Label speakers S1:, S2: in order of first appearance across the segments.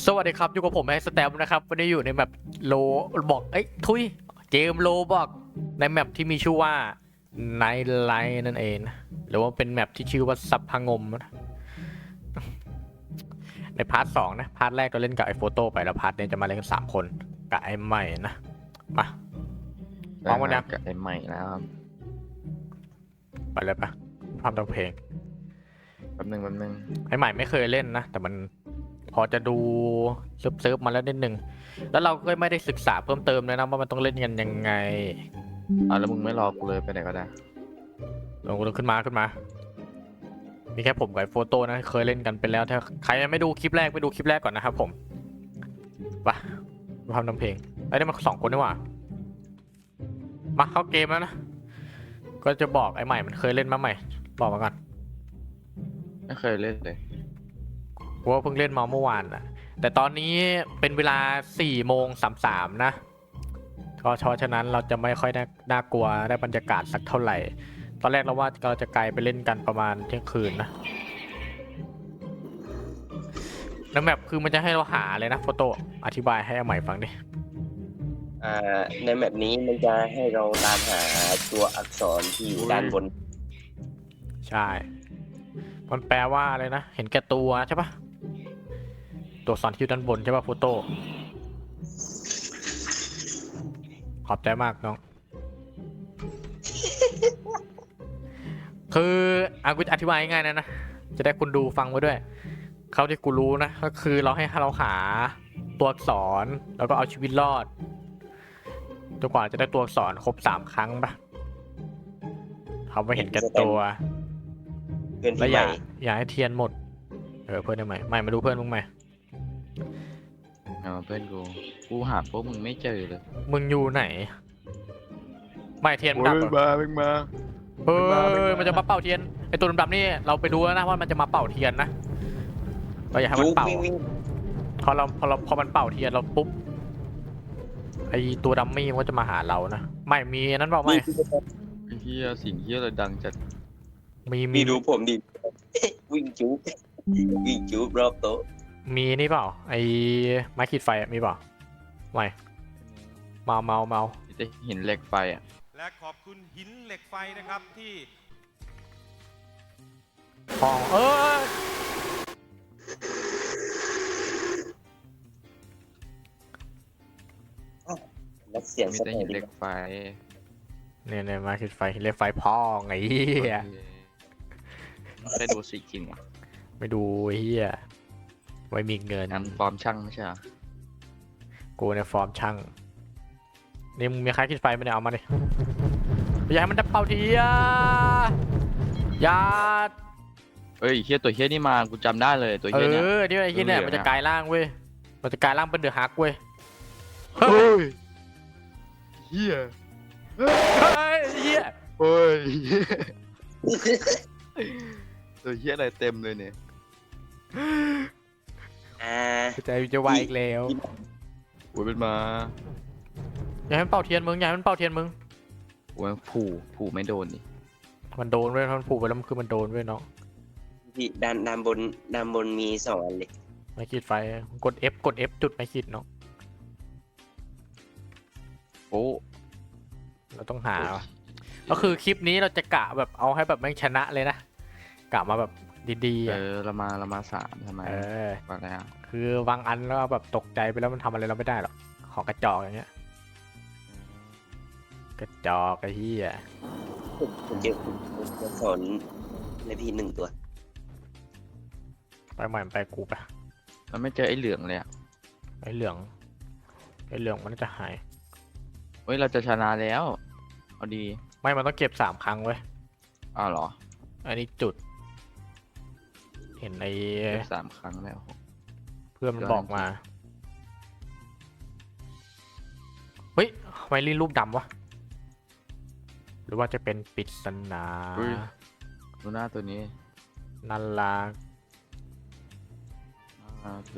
S1: สวัสดีครับอยู่กับผมไอ้สแตมนะครับวันนี้อยู่ในแมปโลบอกเกมโลบอกในแมปที่มีชื่อว่าไนท์ไลท์นั่นเองหรือว่าเป็นแมปที่ชื่อว่าซับพงมนะในพาร์ท 2นะพาร์ทแรกเราเล่นกับไอ้โฟโต้ไปแล้วพาร์ทนี้จะมาเล่นกัน3 คนกับไอ้ใหม่นะมาพร้อมกันยัง
S2: กับไอ้ใหม่แล้วครับ
S1: ไปเลยปะทำตัวเพลง
S2: แป๊บนึง
S1: ไอ้ใหม่ไม่เคยเล่นนะแต่มันพอจะดูเซิร์ฟมาแล้วนิดนึงแล้วเราก็ไม่ได้ศึกษาเพิ่มเติมเลยนะว่ามันต้องเล่นกันยังไง
S2: แล้วมึงไม่รอกูเลยไปไหนก็ได้
S1: ลงขึ้นมามีแค่ผมกับไอ้โฟโต้นะเคยเล่นกันไปแล้วถ้าใครยังไม่ดูคลิปแรกไปดูคลิปแรกก่อนนะครับผมไปทำเพลงไอ้นี่มัน2 คนนี่หว่ามาเข้าเกมแล้วนะก็จะบอกไอ้ใหม่มันเคยเล่นมาใหม่บอกมาก่อน
S2: ไม่เคยเล่นเลย
S1: เพราะว่าเพิ่งเล่นมาเมื่อวานนะแต่ตอนนี้เป็นเวลา4:33นะก็ฉะนั้นเราจะไม่ค่อยน่ากลัวได้บรรยากาศสักเท่าไหร่ตอนแรกเราว่าเราจะไกลไปเล่นกันประมาณเที่ยงคืนนะแล้วแมปคือมันจะให้เราหาเลยนะโฟโต้อธิบายให้ใหม่ฟังดิ
S3: ในแมปนี้มันจะให้เราตามหาตัวอักษรที่อยู่ด้านบน
S1: ใช่มันแปลว่าอะไรนะเห็นแก่ตัวใช่ปะตัวสอนที่อยู่ด้านบนใช่ปะโฟโต้ขอบใจมากน้อง คือกูอธิบายง่ายๆนะจะได้คุณดูฟังไว้ด้วยเขาที่กูรู้นะก็คือเราให้เราหาตัวอักษรแล้วก็เอาชีวิตรอดจนกว่าจะได้ตัวอักษรครบ3 ครั้งปะเขาไม่เห็นแก่ตัว
S3: เพื่อน
S1: แล้ว
S3: ที่ใหม่
S1: อย่าให้เทียนหมดเพื่อนได้ไหมไม่มาดูเพื่อนมึงไหม
S2: เพื่อนกูหาพวกมึงไม่เจอเลย
S1: มึงอยู่ไหนไม่เทียนมันดับเหรอ
S2: มา
S1: เฮ้ยมันจะมาเป่าเทียนไอตัวดำๆนี่เราไปดูแล้วนะว่ามันจะมาเป่าเทียนนะเราอย่าให้มันเป่า
S3: วิ่ง
S1: พอมันเป่าเทียนเราปุ๊บไอตัวดัมมี่มันก็จะมาหาเรานะไม่มีนั้นเปล่าไม่
S2: ไอ้เหี้ยสิ่งเหี้ยอะไรดังจัด
S3: มีดูผมดิ วิ่งจุ๊บวิ่งจุ๊บรอบโต๊ะ
S1: มีนี่เปล่าไอไม้ขีดไฟมีเปล่าไม่เมา
S2: จะเห็นเหล็กไฟอ่ะ
S4: และขอบคุณหินเหล็กไฟนะครับที่
S1: ทอง
S3: และเสียง
S2: มี
S3: ส
S2: แต่
S3: แต
S2: หิน
S3: น
S2: เหล็กไฟ
S1: เนี่ยไม้ขีดไฟเรียกไฟพองไอ้เหี้ย
S2: ไม่ได้ดูสิจริงว่ะ
S1: ไม่ดูไอ้เหี้ยไว้มีเงิน
S2: งานฟอร์มช่างไม่ใช่เหรอ
S1: กูในฟอร์มช่างนี่มึงมีใครขีดไฟไม่ได้เอามาดิอย่าให้มันจะเป่าเทียยา
S2: เฮ้ยเหี้ยตัวเหี้ยนี่มากูจำได้เลยตัวเหี้ยเนี่ย
S1: ที่ไอ้ที่เนี่ยมันจะกลายร่างเว้ยมันจะกลายร่างเป็นเดือดฮักเว้ย
S2: เฮ้ยเหี้ย
S1: เฮ้ยเหี้ย
S2: เฮ้ยตัวเหี้ยอะไรเต็มเลยเนี่ย
S1: ใจจะวายอีกแล้ว
S2: โอ้ยเป็นมา
S1: อย่าให้มันเป่าเทียนมึงอย่าให้มันเป่าเทียนมึง
S2: โอ้ยผูไม่โดนดิ
S1: มันโดนเว้ยมันผูกไปแล้วมันคือมันโดนเว้ยน้อง
S3: ที่ด้านบนมี2 อันเลย
S1: ไม่ขีดไฟกด F จุดไม่ขีดเนาะ
S2: โอ้
S1: เราต้องหาก็คือคลิปนี้เราจะกะแบบเอาให้แบบแม่งชนะเลยนะกะมาแบบดีๆ
S2: เรามาสามทำไมมาแล้ว
S1: คือบางอันแล้วแบบตกใจไปแล้วมันทำอะไรเราไม่ได้หรอกของกระจอกอย่างเงี้ยกระจอกไอ้เหี้ย
S3: ผมเจออักษรในพี่1 ตัว
S1: ไปใหม่ไปกูไป
S2: มันไม่เจอไอ้เหลืองเลยอ่ะ
S1: ไอ้เหลืองมันจะหาย
S2: เฮ้ยเราจะชนะแล้วเอาดี
S1: ไม่มันต้องเก็บ3 ครั้งเว้ย
S2: อ้าวเหรอ
S1: อันนี้จุด เห็นไอ้
S2: เก็บ3 ครั้งแล้ว
S1: เพื่อนมันบอกมาเฮ้ยทำไมลิ้นรูปดำวะหรือว่าจะเป็นปริศนา
S2: ดูหน้าตัวนี้
S1: นันลา
S2: เป็น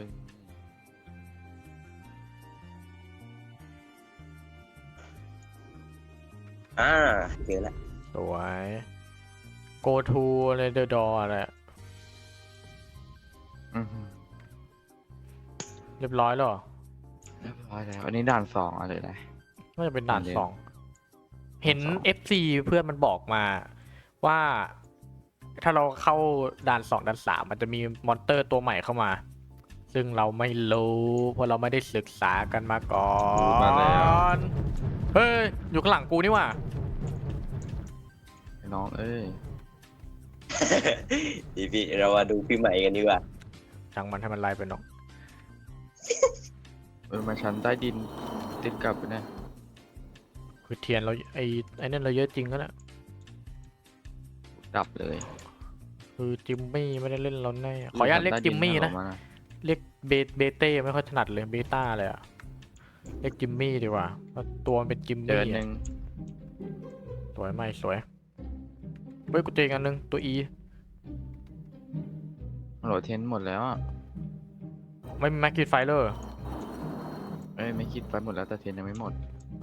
S3: เจอแล้ว
S1: สวย go to อะไร the door อะไร
S2: อือหือ
S1: เรียบร้อยแล้วเหรอ
S2: เรียบร้อยแล้วอันนี้ด่านสองอะไรนะ
S1: น่าจะเป็นด่าน
S2: เดี๋ยว
S1: สองเห็น
S2: สอง
S1: FC เพื่อนมันบอกมาว่า ถ้าเราเข้าด่านสองด่านสามมันจะมีมอนเตอร์ตัวใหม่เข้ามา ซึ่งเราไม่รู้เพราะเราไม่ได้ศึกษากันมาก่อน
S2: มาแล้ว
S1: เฮ้ยอยู่ข้างหลังกูนี่หว่า
S2: ไอ้น้องเอ้ย
S3: พี่เรามาดูพี่ใหม่กันดีกว่า
S1: ช่างมันให้มันไล่ไปเนาะ
S2: มาชั้นใต้ดินติดกับเนี่ย
S1: คือเทียนเราไอ้นั่นเราเยอะจริงก็นะ
S2: ดับเลย
S1: คือจิมมี่ไม่ได้เล่นเราแน่ขออนุญาตเรียกจิมมี่นะ
S2: ออกา
S1: เรียกเบเต้ไม่ค่อยถนัดเลยเบต้าเลยอะเรียกจิมมี่ดีกว่าเพราะตัวมันเป็นจิม
S2: เจอ
S1: มี่
S2: อันห
S1: อะ
S2: นึ่ง
S1: สวยไหมสวยเฮ้ยกูเจออกอันนึงตัว E
S2: โหลดเทนหมดแล้วอะ
S1: ไม่มีแม็กกี้ไฟเลอร์
S2: เอ้ยไม่คิดไปหมดแล้วแต่เทนยังไม่หมด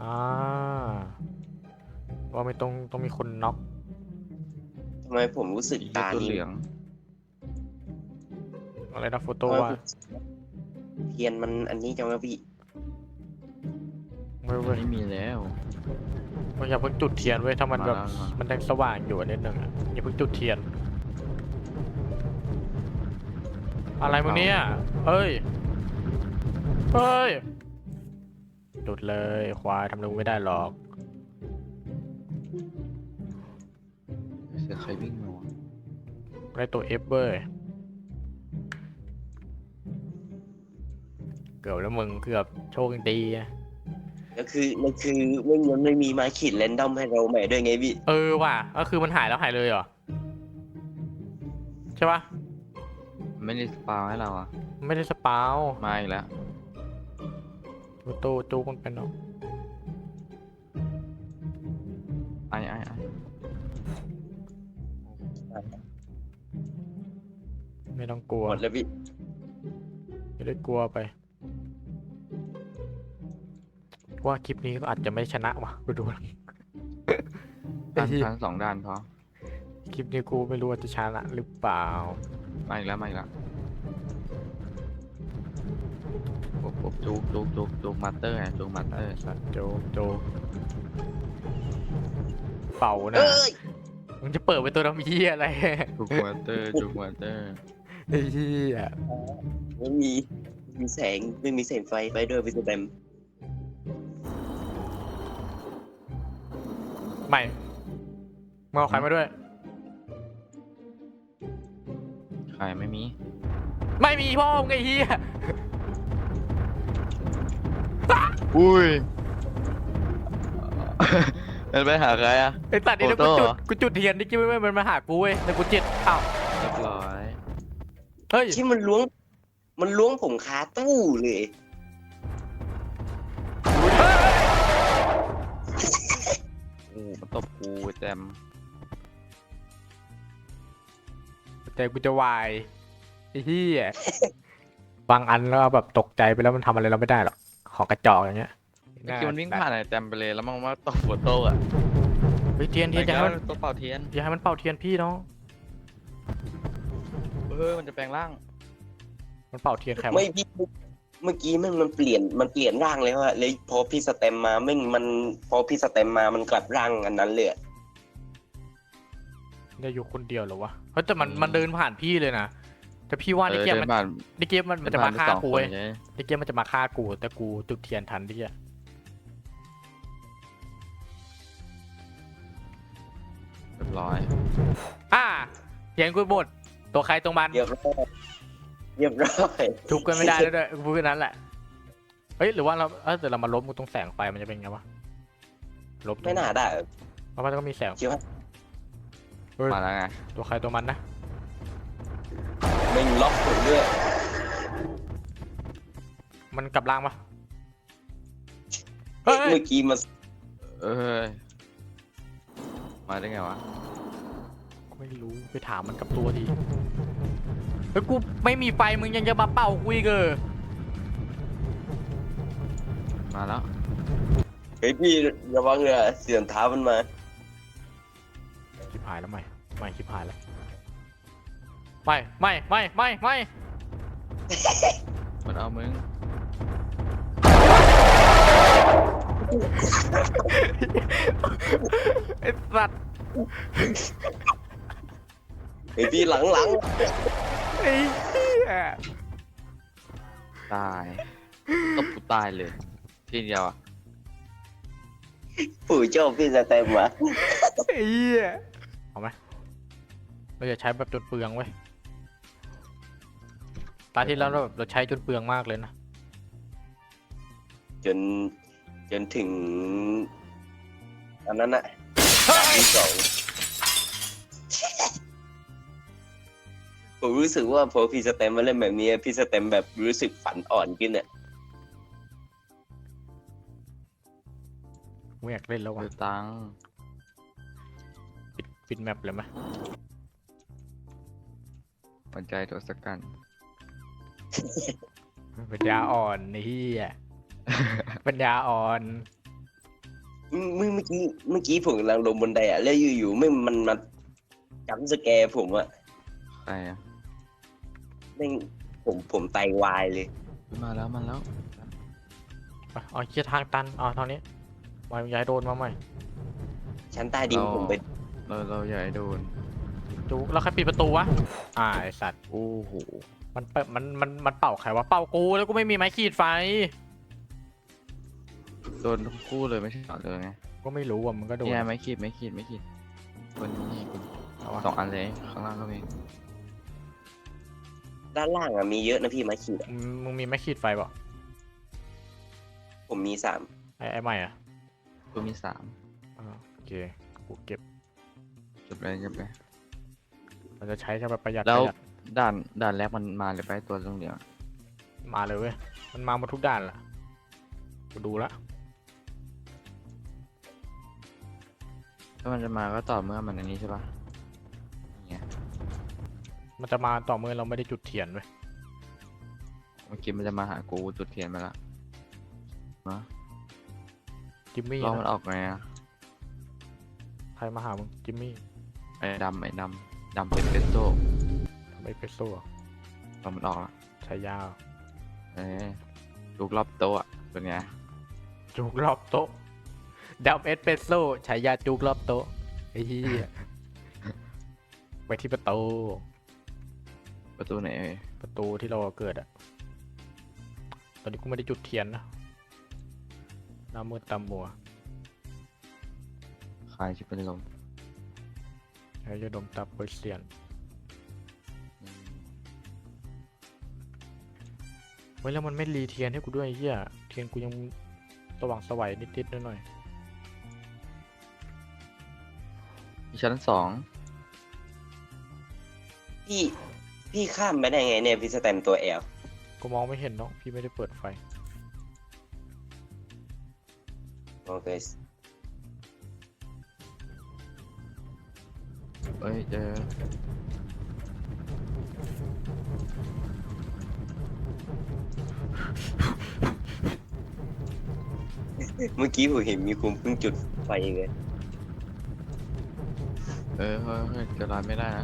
S1: ว่าไม่ต้องมีคนน็อก
S3: ทำไมผมรู้สึก
S2: อีก
S3: ตา
S2: ตัว
S3: นี้
S2: เหลือง
S1: อะไรนะโฟโต้
S3: ทำไม
S1: ว่า
S3: ผมเทียนมันอันนี้จังวะพี่
S1: ไม่เว้ย
S2: ไม่มีแล้ว
S1: มันอย่าเพิ่งจุดเทียนเว้ยถ้ามันแบบ
S2: มาแล้ว
S1: มันยังสว่างอยู่นิดนึงอะอย่าเพิ่งจุดเทียน อะไรมึงเนี่ยเฮ้ยเฮ้ยจุดเลยควายทำลุงไม่ได้หรอก
S2: เสียงใครวิ่งมาวะ
S1: ได้ตัว F เว้ยเกือบแล้วมึงเกือบโชคดีอะ
S3: ก็คือมันไม่มีมาขีดแรนดอมให้เราใหม่ด้วยไงพี่
S1: ว่ะก็คือมันหายแล้วหายเลยเหรอใช่ปะ
S2: ไม่ได้สปาวให้เราอะ
S1: ไม่ได้สปาว
S2: มาอีกแล้ว
S1: โตจูมันเป็นเนาะ
S2: ไอ้
S1: ไม่ต้องกลัว
S3: หมดแล้วพี่
S1: ไม่ได้กลัวไปว่าคลิปนี้ก็อาจจะไม่ชนะว่ะกูดู
S2: ด่านชั้นสองด่านพอ
S1: คลิปนี้กูไม่รู้ว่าจะชนะหรือเปล่า
S2: มาอีกแล้วปุ๊บจุกมาสเตอร์ไงจุกมาสเตอร์
S1: สัตว์โจเป่านะ
S3: เอ้ย
S1: มึงจะเปิดเป็นตัวน้ำเยี่ยอะไร
S2: จุกมาสเตอร์จุกมาสเตอร์
S1: ไอ้เหี้ย
S3: ไม่มีแสงไม่มีแสงไฟไปด้วยพี่สแตม
S1: ไม่มึงเอาใครมาด้วย
S2: ใครไม่มี
S1: ไม่มีพ่อมึงไอ้เหี้ย
S2: อุ้ย มันไปหาใครอะ
S1: ไอ้สัตว์นี่แล้ว
S2: โฟโต้
S1: กูจุดเทียนนี่กิ๊บไม่มันมาหากูเว้ยแต่กูเจ็ดอ้าว
S2: เรียบร้อย
S1: เฮ้ย
S3: ที่มันล้วงผมคาตู้เลย
S2: โอ้มันตบกูแจม
S1: ใจกูจะวายไอ้เหี้ยบางอันแล้วแบบตกใจไปแล้วมันทำอะไรเราไม่ได้หรอกของกระจอกอย่างเงี้ย
S2: เมื่อกี้มันวิ่งผ่านไอ้แจมไปเลยแล้วมันว่าตบหัวโต้อะ
S1: เฮ้ยเทียนอย่าให้มัน
S2: ตัวเป่าเทียน
S1: อย่าให้มันเป่าเทียนพี่น้อง
S2: มันจะแปลงร่าง
S1: มันเป่าเทียนใครวะ
S3: ไม่พี่เมื่อกี้มันเปลี่ยนร่างเลยว่ะเลยพอพี่สแตมมาพอพี่สแตมมามันกลับร่างอันนั้นเลยอะ
S1: ได้อยู่คนเดียวเหรอวะเฮ้ยแต่มันเดินผ่านพี่เลยนะแต่พี่ว่าในเกม
S2: เดิ
S1: มัน
S2: นผ่าน
S1: ในเกมมันจะมาฆ่ากู
S2: เดิ
S1: เว้ย
S2: นผ่นไปสองคนใช่ไหม
S1: ในเกมมันจะมาฆ่ากูแต่กูจุดเทียนทันที่อะ
S2: เรียบร้อย
S1: เทียนกูหมดตัวใครตรงมัน
S3: เรียบร้อย
S1: ทุบกันไม่ได้แล้วด้วยกูพูดแค่นั้นแหละเฮ้ยหรือว่าเราแต่เรามาลบกูตรงแสงไฟมันจะเป็นไงวะลบตรง
S3: ไม่น่าได้
S1: เพราะมันก็มีแสง
S3: คิดว่า
S1: เฮ้ย
S2: มาแล้วไง
S1: ตัวใครตัวมันนะ
S3: ไม่ล็อกผมด้วย
S1: มันกลับล่างปะเฮ้ย
S3: เมื่อกี้มัน
S2: เอ้ยมาได้ไงวะ
S1: ไม่รู้ไปถามมันกับตัวดีเฮ้ยกูไม่มีไฟมึงยังจะมาเป่ากูอีกเหรอ
S2: มาแล้ว
S3: เฮ้ยพี่ระวังเลยเสียงเท้ามันมา
S1: ชิบหายแล้วไม่ชิบหายแล้วไม่
S2: มันเอามึง
S1: ไอ้สัตว์
S3: ไอพี่หลัง
S1: ไอ้เหี้ย
S2: ตายก็กูตายเลย ทีเดียวอ่ะ
S3: ผู้ชอบพี่สเต็มวะ
S1: ไอ้เหี้ยเอาไหมเราจะใช้แบบจนเปลืองเว้ยตาที่แล้วเราใช้จนเปลืองมากเลยนะ
S3: จนถึงอันนั้นอะที่สองผมรู้สึกว่าพอพี่สเต็มมาเล่นแบบนี้พี่สเต็มแบบรู้สึกฝันอ่อนขึ้นอะ
S1: ไม่อยากเล่นแล้วว่ะ
S2: ดูตังค์
S1: ปิดแมปเลยไหม
S2: หัวใจตัวสกัน
S1: ปัญญาอ่อนนี่เหี้ยปัญญาอ่อน
S3: เมื่อกี้ผมกำลังลงบันไดอะแล้วอยู่ๆไม่มันมาจัมป์สแกร์ผมอะ
S2: ใครอ่ะ
S3: แม่งผมไตวายเลย
S2: มาแล้ว
S1: ไปเอาเคียทางตันเอาทางนี้วายย้ายโดนมาใหม่
S3: ชั้นใต้ดินผมไป
S2: เราอย่าให้โดน
S1: จุกแล้วใครปิดประตูวะไอสัตว์
S2: โอ้โห
S1: มันเปิดมันเป่าใครวะเป่ากูแล้วกูไม่มีไม้ขีดไฟ
S2: โดนทั้งคู่เลยไม่ใช่เหรอเลยไง
S1: ก็ไม่รู้อ่ะมันก็โดน
S2: เนี่ยไม่ขีดคนนี้คุณ
S1: เอาวะ
S2: 2 อันเลยข้างล่างก็มี
S3: ด้านล่างอะมีเยอะนะพี่ไม้ขีดอะ
S1: มึงมีไม้ขีดไฟเปล่า
S3: ผมมี3
S1: ไอ้ใหม่อ่ะ
S2: กูมี
S1: โอเคกูเก็บ
S2: 3จบเลย
S1: เราจะใช้แค่แบบประหยัด
S2: แล้ว
S1: ประหยัด
S2: ด่านแรกมันมาเลยไปตัวตรงเดียว
S1: มาเลยเว้ยมันมาหมดทุกด้านละกูดูละ
S2: ถ้ามันจะมาก็ต่อเมื่อมันอันนี้ใช่ปะอย่างเงี้ย
S1: มันจะมาต่อเมื่อเราไม่ได้จุดเทียนเว้ย
S2: เมื่อกี้มันจะมาหากูจุดเทียนมาละมา
S1: จิมมี่
S2: ลองมัน
S1: นะ
S2: ออกไงอ่ะ
S1: ใครมาหามึงจิมมี่
S2: ไอ้ดำเป็นเปโต้
S1: ทำไมเปโซ่อะ
S2: ลองมันออกละ
S1: ใช้ยาว
S2: ลูกรอบโต๊ะอะเป็นไง
S1: จุกรอบโต๊ะดับเอสเปรสโซ่ใช้ยาจุกรอบโต๊ะไอ้เหี้ยไปที่ประตู
S2: ประตูไหนเอ่ย
S1: ประตูที่เราเกิดอะตอนนี้กูไม่ได้จุดเทียนนะหน้ามืดตามัว
S2: คลายชิบเป็นลม
S1: ใช้ยาดมตับเปอร์เซียน
S2: อืม
S1: เฮ้ยแล้วมันไม่รีเทียนให้กูด้วยไอ้เหี้ยเทียนกูยังสว่างสวัยนิดๆหน่อย
S2: มีชั้น
S3: พี่ข้ามไปได้ไงเนี่ยพี่สเต็มตัวแอล
S1: ๆกูมองไม่เห็นเนาะพี่ไม่ได้เปิดไฟ
S3: โอเค
S2: เอ้ยเจอ
S3: เมื่อกี้ผมเห็นมีคุณเพิ่งจุดไฟเลย
S2: เฮ้ยจะร้านไม่ได้นะ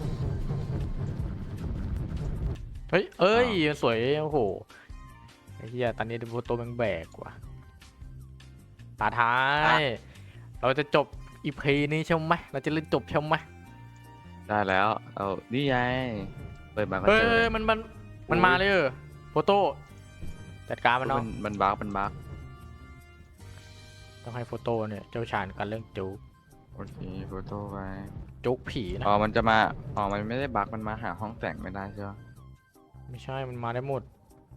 S1: เฮ้ยสวยโอ้โหไอ้เหี้ยตอนนี้ดูตัวแบกว่ะตาท้าย เราจะจบอีพีนี้ใช่ไหมเราจะเล่นจบใช่ไหม
S2: ได้แล้วเอานี่ไงเปิดมาก็
S1: เฮ้
S2: เจอย
S1: มันมาเลยโฟโต้จัดการมันเนาะ
S2: มันบั๊ก
S1: ต้องให้โฟโต้เนี่ยเจ้าชาญกันเรื่องจุก
S2: โอเคโฟโต้ไป
S1: จุกผีนะ
S2: มันจะมามันไม่ได้บั๊กมันมาหาห้องแต่งไม่ได้ใช่ปะ
S1: ไม่ใช่มันมาได้หมด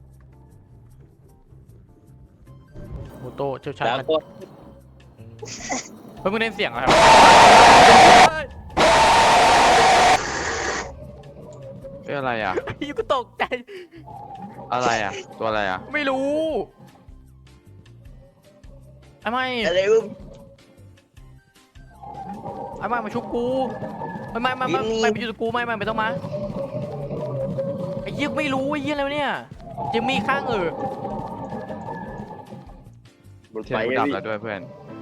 S1: โฟโต้เจ้าชาญ
S3: แล้ว
S1: กัน
S3: ก็
S1: อืมเฮ้ยมึงเล่นเสียงอะไรวะ
S2: เอ้ยอะไรอ่ะ
S1: ยูก็ตกใจ
S2: อะไรอ่ะ ตัวอะไรอ่ะ
S1: ไม่รู้ไอ้ไม่
S3: อะไรวะ
S1: ไอ้ไม่มาชุบกูไม่ไปอยู่กับกูไม่ต้องมาไอ้เหี้ยไม่รู้ไอ้เหี้ยอะไรวะเนี่ยจิมมี่ข้าง
S3: บน
S2: เทีย
S3: ไฟ
S2: นกู
S3: อะ
S2: ดับ
S3: พี่
S2: แล้วด้วยเพื่อน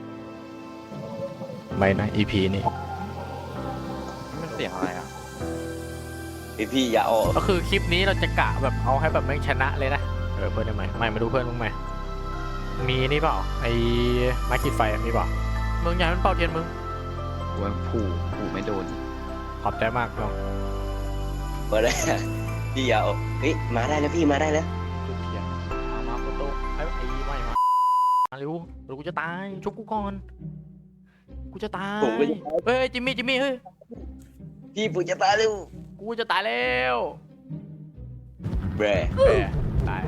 S1: ไม่นะ EP นี้
S2: มันเสียงอะไรอ่ะ
S3: พี่อย่าออก
S1: ก็คือคลิปนี้เราจะกะแบบเอาให้แบบแม่งชนะเลยนะเพื่อนได้ไหมไม่มาดูเพื่อนมึงไหมมีนี่เปล่าไอ้ไม้ขีดไฟมีเปล่ามึงอยากให้มันเป่าเทียนมึง
S2: กูว่าผูไม่โดน
S1: ขอบใจมากน้อง
S3: มาได้พี่เอาเฮ้ยมาได้แล้วพี่มาได้แล้ว
S1: จุดเทียนมาโฟโต้ไอ้ไม่มาเร็วเดี๋ยวกูจะตายชุบกูก่อนกูจะตาย
S3: ผมก็จะ
S1: เฮ้ยจิมมี่เฮ้ย
S3: พี่ผมจะตายแล้ว
S1: กูจะตายแล้ว
S3: แบร
S1: แหมตาย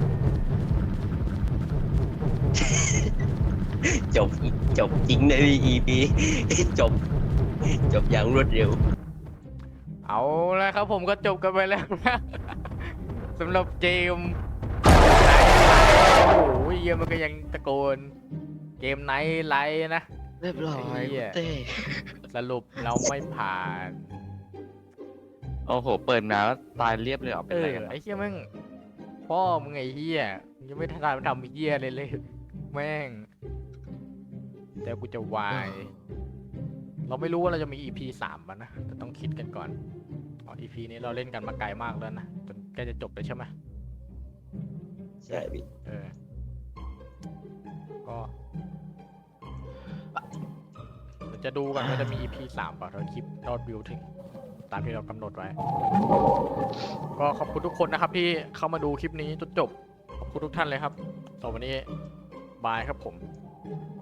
S3: จบจริงเลยพี่ EP จบอย่างรวดเร็ว
S1: เอาละครับผมก็จบกันไปแล้วนะสำหรับเกมไนท์ไลท์โอ้โหเยี่ยมันก็ยังตะโกนเกมไนท์ไลท์นะ
S2: เรียบร้อย
S1: ไอ้เหี้ย
S2: เต้
S1: สรุปเราไม่ผ่าน
S2: โอ้โห เปิดมาแล้วตายเรียบเลยเหรอเป็นไรกัน
S1: ไอ้เหี้ยมึงพ่อมึงไอ้เหี้ยมึงยังไม่ทันทำไอ้เหี้ยเลยแม่งแต่กูจะวายเราไม่รู้ว่าเราจะมี EP 3ป่ะนะแต่ต้องคิดกันก่อนอ๋อ EP นี้เราเล่นกันมาไกลมากแล้วนะจนใกล้จะจบเลยใช่ไหม
S3: ใช่พี่
S1: ก็เราจะดูกันว่าจะมี EP 3ป่ะเราคลิปยอดวิวถึงตามที่เรากำหนดไว้ ก็ขอบคุณทุกคนนะครับที่เข้ามาดูคลิปนี้จนจบขอบคุณทุกท่านเลยครับสำหรับวันนี้บายครับผม